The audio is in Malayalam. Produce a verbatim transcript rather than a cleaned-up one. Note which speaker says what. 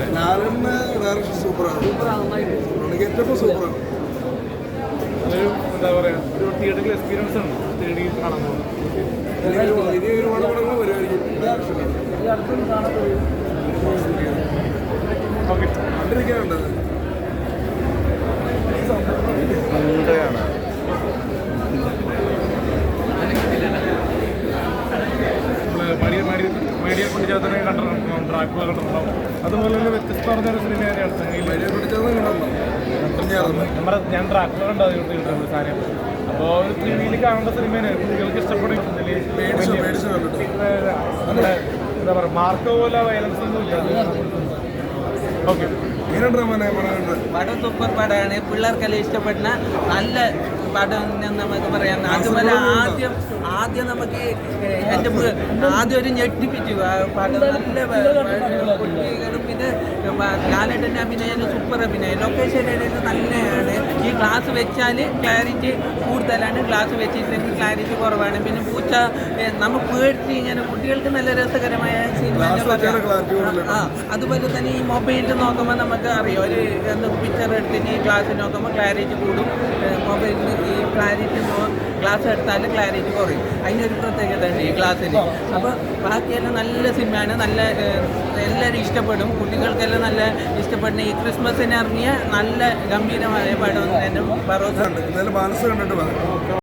Speaker 1: അല്ലേ?
Speaker 2: ലാലന്റെ ഡയറക്ഷൻ സൂപ്പറാണ്. ഗെറ്റപ്പ് സൂപ്പറാണ്.
Speaker 1: അതൊരു എന്താ പറയുക, ഒരു തിയേറ്ററിൽ എക്സ്പീരിയൻസ് ആണ് തേടി കാണാൻ പോകുന്നത്.
Speaker 2: ഇനി ഒരുപാട് പടങ്ങൾ വരുമായിരിക്കും.
Speaker 1: ഓക്കെ,
Speaker 2: കണ്ടിരിക്കാനുണ്ടത്.
Speaker 1: മീഡിയ കൊണ്ട് ചേർത്തനെ കണ്ടിട്ടുണ്ടാവും, ഡ്രാക്കുള കണ്ടിട്ടുണ്ടാവും. അതുപോലെ തന്നെ വ്യത്യസ്ത പറഞ്ഞൊരു സിനിമ തന്നെയാണ് നമ്മുടെ ഞാൻ ഡ്രാക്കുള കണ്ടത് സാധനം. അപ്പോൾ ഒരു ത്രീ ഡിയിൽ കാണേണ്ട സിനിമയാണ്. കുട്ടികൾക്ക് ഇഷ്ടപ്പെടും. നമ്മുടെ എന്താ പറയുക, മാർക്കോ പോലെ വയലൻസ് ഒന്നും ഇല്ല. ഓക്കെ,
Speaker 3: പടം സൂപ്പർ പടമാണ്. പിള്ളേർക്കെല്ലാം ഇഷ്ടപ്പെടുന്ന നല്ല പടം നമുക്ക് പറയാം. അതുപോലെ ആദ്യം ആദ്യം നമുക്ക് എൻ്റെ ആദ്യം ഒരു ഞെട്ടിപ്പിച്ചു പടം. നല്ല കുട്ടികളും പിന്നെ ലാലേട്ടൻ്റെ അഭിനയം സൂപ്പർ അഭിനയം. ലൊക്കേഷൻ നല്ലതാണ്. ഈ ഗ്ലാസ് വെച്ചാൽ ക്ലാരിറ്റി കൂടുതലാണ്, ഗ്ലാസ് വെച്ചിട്ടുണ്ടെങ്കിൽ ക്ലാരിറ്റി കുറവാണ്. പിന്നെ പൂച്ച നമുക്ക് പേടിച്ച് ഇങ്ങനെ കുട്ടികൾക്ക് നല്ല രസകരമായ സിനിമ. ആ അതുപോലെ തന്നെ ഈ മൊബൈലിൽ നോക്കുമ്പോൾ നമുക്ക് അറിയാം, ഒരു എന്ത് പിക്ചർ എടുത്തിട്ട് ഈ ഗ്ലാസ് നോക്കുമ്പോൾ ക്ലാരിറ്റി കൂടും. മൊബൈലിൽ ഈ ക്ലാരിറ്റി ഗ്ലാസ് എടുത്താൽ ക്ലാരിറ്റി കുറയും. അതിനൊരു പ്രത്യേകത ഉണ്ട് ഈ ഗ്ലാസ്സിന്. അപ്പോൾ ബാക്കിയെല്ലാം നല്ല സിനിമയാണ്. നല്ല എല്ലാവരും ഇഷ്ടപ്പെടും. കുട്ടികൾക്കെല്ലാം നല്ല ഇഷ്ടപ്പെടുന്ന ഈ ക്രിസ്മസിന് ഇറങ്ങിയ നല്ല ഗംഭീരമായ പടം തന്നെ.
Speaker 2: മനസ്സ് കണ്ടിട്ട്